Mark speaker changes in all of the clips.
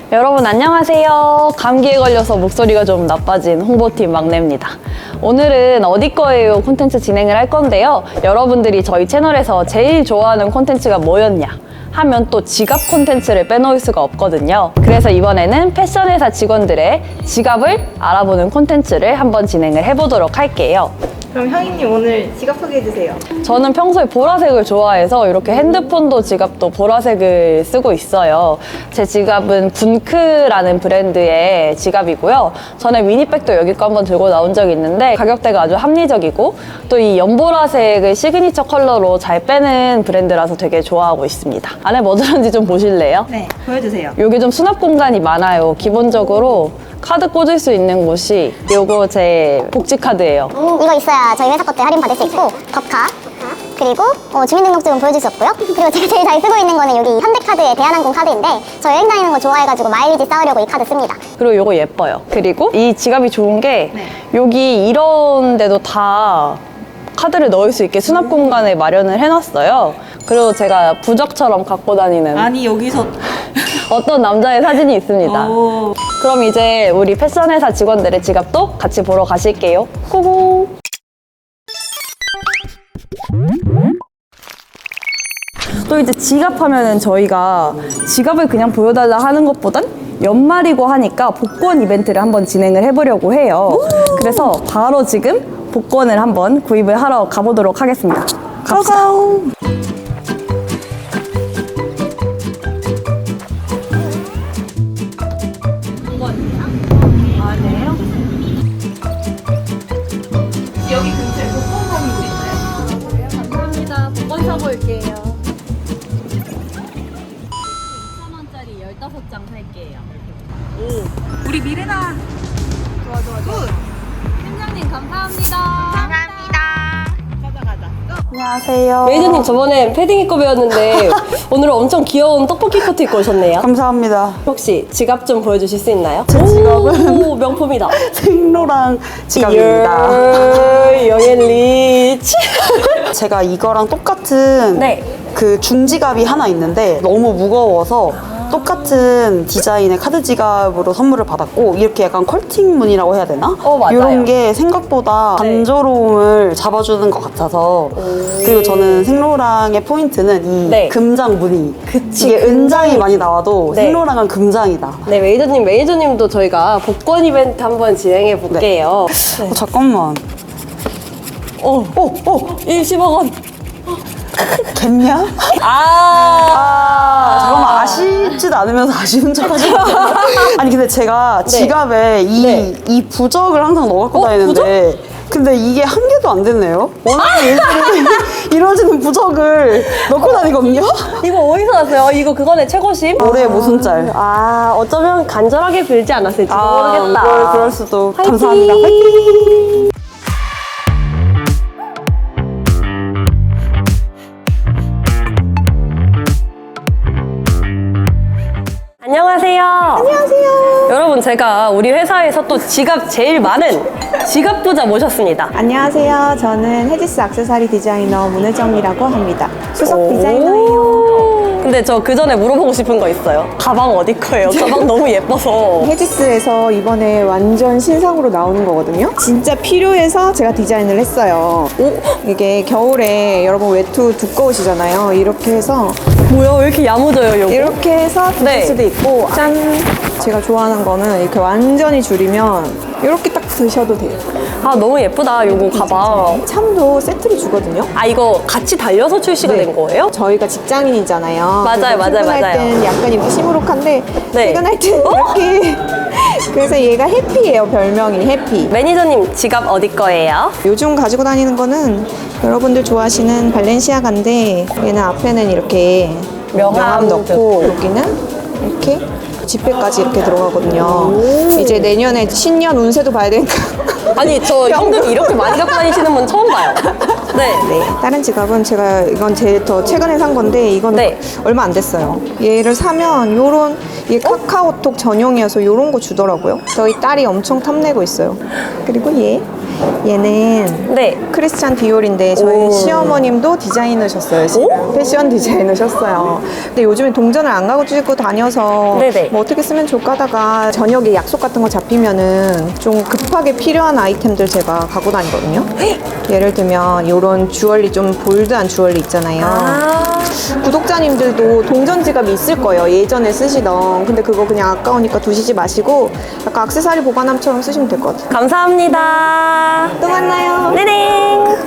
Speaker 1: 여러분 안녕하세요. 감기에 걸려서 목소리가 좀 나빠진 홍보팀 막내입니다. 오늘은 어디 거예요 콘텐츠 진행을 할 건데요. 여러분들이 저희 채널에서 제일 좋아하는 콘텐츠가 뭐였냐 하면 또 지갑 콘텐츠를 빼놓을 수가 없거든요. 그래서 이번에는 패션회사 직원들의 지갑을 알아보는 콘텐츠를 한번 진행을 해보도록 할게요.
Speaker 2: 그럼 향이님 오늘 지갑 소개해주세요.
Speaker 1: 저는 평소에 보라색을 좋아해서 이렇게 핸드폰도 지갑도 보라색을 쓰고 있어요. 제 지갑은 분크라는 브랜드의 지갑이고요. 전에 미니백도 여기 거 한번 들고 나온 적이 있는데 가격대가 아주 합리적이고 또 이 연보라색을 시그니처 컬러로 잘 빼는 브랜드라서 되게 좋아하고 있습니다. 안에 뭐 들었는지 좀 보실래요?
Speaker 2: 네, 보여주세요.
Speaker 1: 여기 좀 수납 공간이 많아요. 기본적으로 카드 꽂을 수 있는 곳이 요거 제 복지 카드예요.
Speaker 3: 이거 있어야 저희 회사 것들 할인 받을 수 있고 덕카 그리고 주민등록증은 보여줄 수 없고요. 그리고 제가 제일 잘 쓰고 있는 거는 여기 현대카드의 대한항공 카드인데 저 여행 다니는 거 좋아해가지고 마일리지 쌓으려고 이 카드 씁니다.
Speaker 1: 그리고 요거 예뻐요. 그리고 이 지갑이 좋은 게 여기 이런 데도 다 카드를 넣을 수 있게 수납 공간을 마련을 해놨어요. 그리고 제가 부적처럼 갖고 다니는
Speaker 2: 아니 여기서
Speaker 1: 어떤 남자의 사진이 있습니다.
Speaker 2: 오.
Speaker 1: 그럼 이제 우리 패션회사 직원들의 지갑도 같이 보러 가실게요. 고고! 또 이제 지갑 하면은 저희가 지갑을 그냥 보여달라 하는 것보단 연말이고 하니까 복권 이벤트를 한번 진행을 해보려고 해요. 그래서 바로 지금 복권을 한번 구입을 하러 가보도록 하겠습니다. 갑시다.
Speaker 2: 여기 근처에 복권 사무소 있나요?
Speaker 1: 감사합니다. 복권 사볼게요. 2,000원짜리 15장 살게요.
Speaker 2: 우리 미래나. 좋아.
Speaker 1: 팀장님 감사합니다.
Speaker 2: 가자.
Speaker 4: 안녕하세요.
Speaker 5: 메이저님 저번에 패딩 입고 배웠는데 오늘은 엄청 귀여운 떡볶이 코트 입고 오셨네요.
Speaker 4: 감사합니다.
Speaker 5: 혹시 지갑 좀 보여주실 수 있나요?
Speaker 4: 제 지갑은
Speaker 5: 오, 명품이다.
Speaker 4: 생로랑 지갑입니다.
Speaker 5: 영앤 리치.
Speaker 4: 제가 이거랑 똑같은
Speaker 5: 네.
Speaker 4: 그 중지갑이 하나 있는데 너무 무거워서 똑같은 디자인의 카드 지갑으로 선물을 받았고 이렇게 약간 컬팅 무늬라고 해야 되나?
Speaker 5: 맞아요.
Speaker 4: 이런 게 생각보다 단조로움을 잡아주는 것 같아서 그리고 저는 생로랑의 포인트는 이
Speaker 5: 네.
Speaker 4: 금장 무늬
Speaker 5: 그치,
Speaker 4: 이게 은장이
Speaker 5: 금장이-
Speaker 4: 많이 나와도
Speaker 5: 네.
Speaker 4: 생로랑은 금장이다.
Speaker 5: 네, 메이저님도 저희가 복권 이벤트 한번 진행해 볼게요.
Speaker 4: 잠깐만.
Speaker 5: 일십억
Speaker 4: 겠냐? 잠깐만 아쉽지도 않으면서 아쉬운 척 하지 마. 아니 근데 제가 지갑에 이 부적을 항상 넣어 갖고 다니는데 근데 이게 한 개도 안 됐네요. 원하는 예술이 이루어지는 부적을 넣고 다니거든요.
Speaker 5: 이거 어디서 났어요? 이거 그거네 최고심?
Speaker 4: 올해 모순짤.
Speaker 5: 어쩌면 간절하게 빌지 않았을지도 모르겠다.
Speaker 4: 그럴 수도.
Speaker 5: 화이팅!
Speaker 4: 감사합니다. 화이팅!
Speaker 5: 안녕하세요. 안녕하세요. 여러분 제가 우리 회사에서 또 지갑 제일 많은 지갑 부자 모셨습니다.
Speaker 2: 안녕하세요. 저는 헤지스 액세서리 디자이너 문혜정이라고 합니다. 수석 디자이너예요.
Speaker 5: 오. 근데 저 그 전에 물어보고 싶은 거 있어요. 가방 어디 거예요? 가방 너무 예뻐서.
Speaker 2: 헤지스에서 이번에 완전 신상으로 나오는 거거든요. 진짜 필요해서 제가 디자인을 했어요. 이게 겨울에 여러분 외투 두꺼우시잖아요. 이렇게 해서
Speaker 5: 뭐야 왜 이렇게 야무져요 요거?
Speaker 2: 이렇게 해서 드실
Speaker 5: 네.
Speaker 2: 수도 있고 짠! 제가 좋아하는 거는 이렇게 완전히 줄이면 이렇게 딱 드셔도 돼요.
Speaker 5: 너무 예쁘다 요거 가방.
Speaker 2: 참도 세트로 주거든요.
Speaker 5: 이거 같이 달려서 출시가 된 거예요?
Speaker 2: 저희가 직장인이잖아요.
Speaker 5: 맞아요,
Speaker 2: 그래서 출근할
Speaker 5: 맞아요.
Speaker 2: 때는 약간 이렇게 시무룩한데
Speaker 5: 네.
Speaker 2: 퇴근할 때는 이렇게 그래서 얘가 해피예요. 별명이 해피.
Speaker 5: 매니저님 지갑 어디 거예요?
Speaker 2: 요즘 가지고 다니는 거는 여러분들 좋아하시는 발렌시아가인데 얘는 앞에는 이렇게 명함 넣고 여기는 이렇게 지폐까지 이렇게 들어가거든요. 이제 내년에 신년 운세도 봐야 되니까
Speaker 5: 아니 저 현금 이렇게 많이 갖고 다니시는 분 처음 봐요. 네.
Speaker 2: 다른 지갑은 제가 이건 제일 더 최근에 산 건데 이건
Speaker 5: 네.
Speaker 2: 얼마 안 됐어요. 얘를 사면 요런 이게 카카오톡 전용이어서 요런 거 주더라고요. 저희 딸이 엄청 탐내고 있어요. 그리고 얘는
Speaker 5: 네.
Speaker 2: 크리스찬 디올인데 저희 시어머님도 디자이너셨어요. 지금. 패션 디자이너셨어요. 근데 요즘에 동전을 안 가지고 다녀서
Speaker 5: 네네.
Speaker 2: 뭐 어떻게 쓰면 좋을까 하다가 저녁에 약속 같은 거 잡히면은 좀 급하게 필요한 아이템들 제가 갖고 다니거든요. 예를 들면 이런 주얼리 좀 볼드한 주얼리 있잖아요. 구독자님들도 동전 지갑이 있을 거예요. 예전에 쓰시던. 근데 그거 그냥 아까우니까 두시지 마시고 약간 액세서리 보관함처럼 쓰시면 될 것 같아요.
Speaker 5: 감사합니다.
Speaker 2: 또 만나요.
Speaker 5: 네네.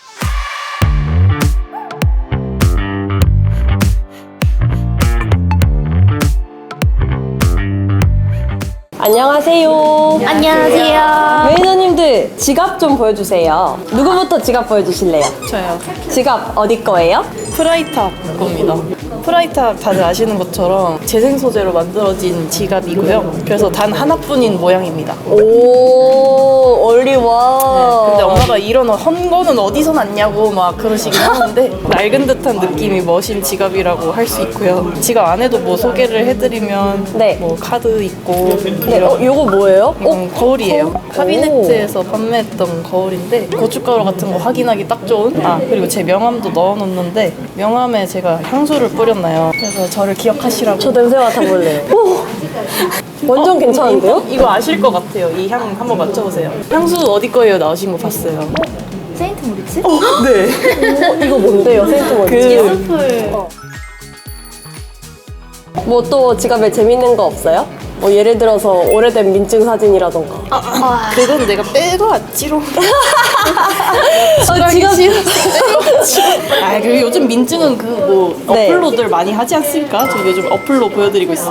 Speaker 5: 안녕하세요.
Speaker 6: 안녕하세요.
Speaker 5: 매니저님들 지갑 좀 보여주세요. 누구부터 지갑 보여주실래요?
Speaker 6: 저요.
Speaker 5: 지갑 어디 거예요?
Speaker 6: 프라이탑 겁니다. 프라이탑 다들 아시는 것처럼 재생 소재로 만들어진 지갑이고요. 그래서 단 하나뿐인 모양입니다.
Speaker 5: 오, 올리원.
Speaker 6: 근데 엄마가 이런 헌 거는 어디서 났냐고 막 그러시긴 하는데 낡은 듯한 느낌이 멋인 지갑이라고 할 수 있고요. 지갑 안에도 뭐 소개를 해드리면
Speaker 5: 네.
Speaker 6: 뭐 카드 있고
Speaker 5: 네, 요거 뭐예요?
Speaker 6: 거울이에요. 카비네트에서 판매했던 거울인데 고춧가루 같은 거 확인하기 딱 좋은. 그리고 제 명함도 넣어놓는데 명함에 제가 향수를 뿌렸나요. 그래서 저를 기억하시라고.
Speaker 5: 저 냄새 맡아볼래요. 오, 완전 괜찮은데요?
Speaker 6: 이거 아실 것 같아요. 이 향 한번 맞춰보세요. 향수 어디 거예요? 나오신 거 봤어요.
Speaker 3: 세인트 모리츠?
Speaker 6: 네.
Speaker 5: 이거 뭔데요, 세인트머리츠?
Speaker 6: 그
Speaker 5: 뭐 또 지갑에 재밌는 거 없어요? 뭐 예를 들어서 오래된 민증 사진이라던가.
Speaker 6: 그건 내가 빼고 왔지롱.
Speaker 5: 지갑
Speaker 6: 그리고 요즘 민증은 그 뭐
Speaker 5: 네.
Speaker 6: 어플로들 많이 하지 않습니까? 저 요즘 어플로 보여드리고 있어요.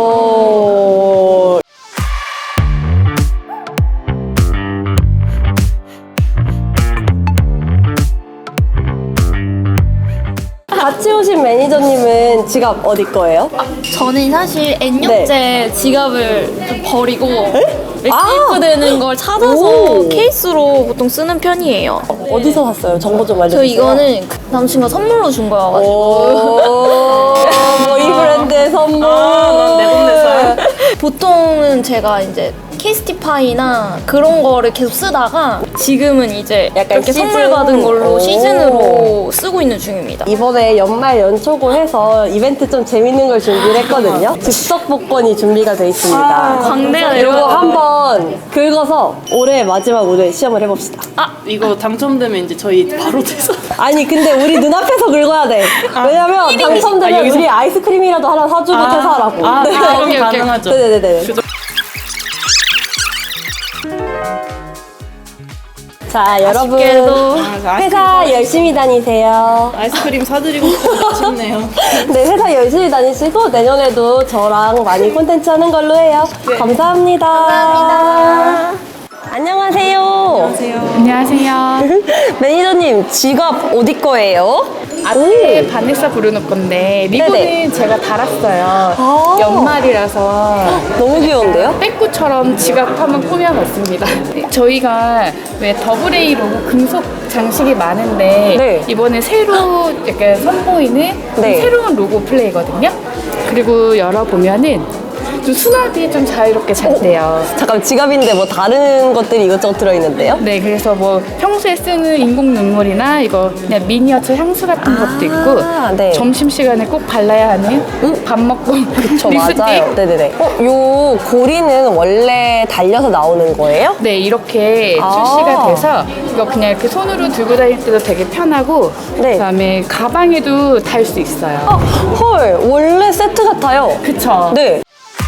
Speaker 5: 같이 오신 매니저님은 지갑 어디 거예요?
Speaker 7: 저는 사실 N역제 지갑을 좀 버리고 맥세이프 되는 걸 찾아서
Speaker 5: 오.
Speaker 7: 케이스로 보통 쓰는 편이에요.
Speaker 5: 어디서 샀어요? 정보 좀
Speaker 7: 저
Speaker 5: 알려주세요.
Speaker 7: 이거는 그 남친과 선물로 준 거여가지고
Speaker 5: 오, 뭐이 브랜드의 선물.
Speaker 6: 내돈 냈어요?
Speaker 7: 보통은 제가 이제 케이스티파이나 그런 거를 계속 쓰다가 지금은 이제
Speaker 5: 약간
Speaker 7: 이렇게
Speaker 5: 시즌?
Speaker 7: 선물 받은 걸로
Speaker 5: 오.
Speaker 7: 시즌으로 쓰고 있는 중입니다.
Speaker 5: 이번에 연말 연초고 해서 이벤트 좀 재밌는 걸 준비를 했거든요. 즉석 복권이 준비가 돼 있습니다.
Speaker 7: 광대가
Speaker 5: 이거
Speaker 7: 내려가.
Speaker 5: 한번 긁어서 올해 마지막 오늘 시험을 해봅시다.
Speaker 6: 이거 당첨되면 이제 저희 바로 돼서.
Speaker 5: 아니 근데 우리 눈앞에서 긁어야 돼. 왜냐면 당첨되면
Speaker 6: 여기서?
Speaker 5: 우리 아이스크림이라도 하나 사주고 퇴사하라고.
Speaker 6: 그건
Speaker 7: 오케이.
Speaker 6: 가능하죠.
Speaker 5: 네네네. 자 여러분
Speaker 7: 아쉽게도.
Speaker 5: 회사 열심히 다니세요.
Speaker 6: 아이스크림 사드리고 싶은데 아쉽네요.
Speaker 5: 네 회사 열심히 다니시고 내년에도 저랑 많이 콘텐츠 하는 걸로 해요. 감사합니다. 안녕하세요.
Speaker 8: 안녕하세요.
Speaker 5: 매니저님 지갑 어디 거예요?
Speaker 8: 아트 바네사 브루노 건데 리본은
Speaker 5: 네네.
Speaker 8: 제가 달았어요. 연말이라서
Speaker 5: 너무 귀여운데요?
Speaker 8: 빼꾸처럼 지갑 한번 꾸며봤습니다. 저희가 왜 더블A 로고 금속 장식이 많은데
Speaker 5: 네.
Speaker 8: 이번에 새로 약간 선보이는
Speaker 5: 네.
Speaker 8: 새로운 로고 플레이거든요. 그리고 열어보면은 좀 수납이 좀 자유롭게 잘 돼요.
Speaker 5: 잠깐 지갑인데 뭐 다른 것들이 이것저것 들어있는데요?
Speaker 8: 네, 그래서 뭐 평소에 쓰는 인공 눈물이나 이거 그냥 미니어처 향수 같은 것도 있고
Speaker 5: 네.
Speaker 8: 점심시간에 꼭 발라야 하는 밥 먹고
Speaker 5: 저
Speaker 8: 립스틱.
Speaker 5: 맞아요. 네네네. 요 고리는 원래 달려서 나오는 거예요?
Speaker 8: 네, 이렇게 출시가 돼서 이거 그냥 이렇게 손으로 들고 다닐 때도 되게 편하고
Speaker 5: 네.
Speaker 8: 그다음에 가방에도 달 수 있어요.
Speaker 5: 헐, 원래 세트 같아요.
Speaker 8: 그쵸?
Speaker 5: 네.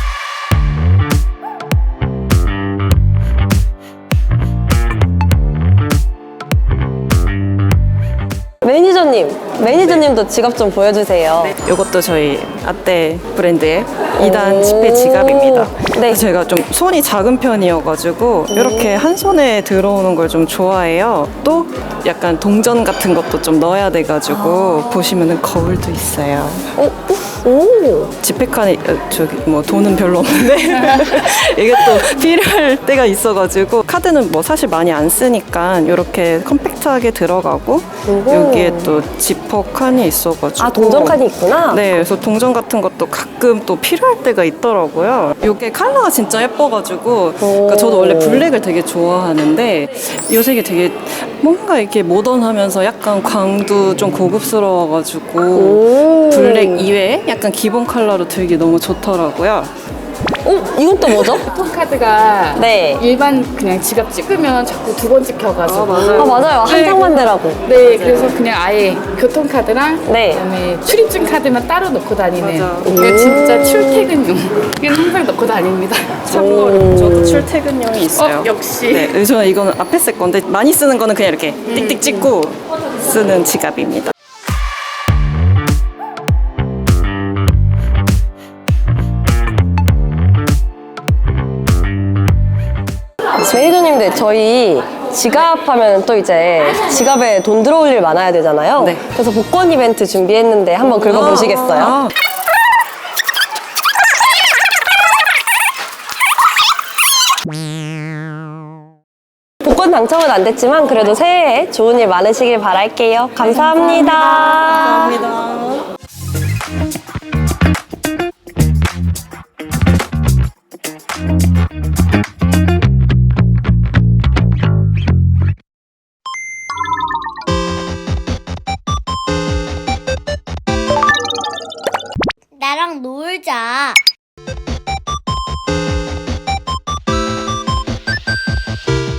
Speaker 5: 매니저님도 지갑 좀 보여주세요.
Speaker 9: 이것도 저희 아떼 브랜드의 2단 지폐 지갑입니다.
Speaker 5: 네.
Speaker 9: 제가 좀 손이 작은 편이어가지고 이렇게 한 손에 들어오는 걸 좀 좋아해요. 또 약간 동전 같은 것도 좀 넣어야 돼가지고 보시면은 거울도 있어요. 지폐칸이 저기 뭐 돈은 별로 없는데 이게 또 필요할 때가 있어가지고 카드는 뭐 사실 많이 안 쓰니까 이렇게 컴팩트하게 들어가고 여기에 또 지퍼 칸이 있어가지고
Speaker 5: 동전칸이 있구나.
Speaker 9: 네, 그래서 동전 같은 것도 가끔 또 필요할 때가 있더라고요. 이게 컬러가 진짜 예뻐가지고 그러니까 저도 원래 블랙을 되게 좋아하는데 요새 이게 되게 뭔가 이렇게 모던하면서 약간 광도 좀 고급스러워가지고 블랙 이외에 약간 기본 컬러로 들기 너무 좋더라고요.
Speaker 5: 이건 또 뭐죠?
Speaker 8: 교통카드가
Speaker 5: 네.
Speaker 8: 일반 그냥 지갑 찍으면 자꾸 두 번 찍혀가지고
Speaker 5: 맞아요. 한 장만 되라고.
Speaker 8: 네, 그래서 그냥 아예 교통카드랑
Speaker 5: 네.
Speaker 8: 그다음에 출입증 카드만 따로 넣고 다니네요. 그게 진짜 출퇴근용. 이건 항상 넣고 다닙니다.
Speaker 9: 참고로 저도 출퇴근용이 있어요.
Speaker 8: 역시.
Speaker 9: 네, 저는 이거는 앞에 쓸 건데 많이 쓰는 거는 그냥 이렇게 띡띡 찍고 쓰는 지갑입니다.
Speaker 5: 매니저님들 저희 지갑하면 또 이제 지갑에 돈 들어올 일 많아야 되잖아요.
Speaker 9: 네.
Speaker 5: 그래서 복권 이벤트 준비했는데 한번 긁어보시겠어요?
Speaker 9: 아,
Speaker 5: 복권 당첨은 안 됐지만 그래도 새해에 좋은 일 많으시길 바랄게요. 감사합니다.
Speaker 9: 감사합니다.
Speaker 3: 나랑 놀자.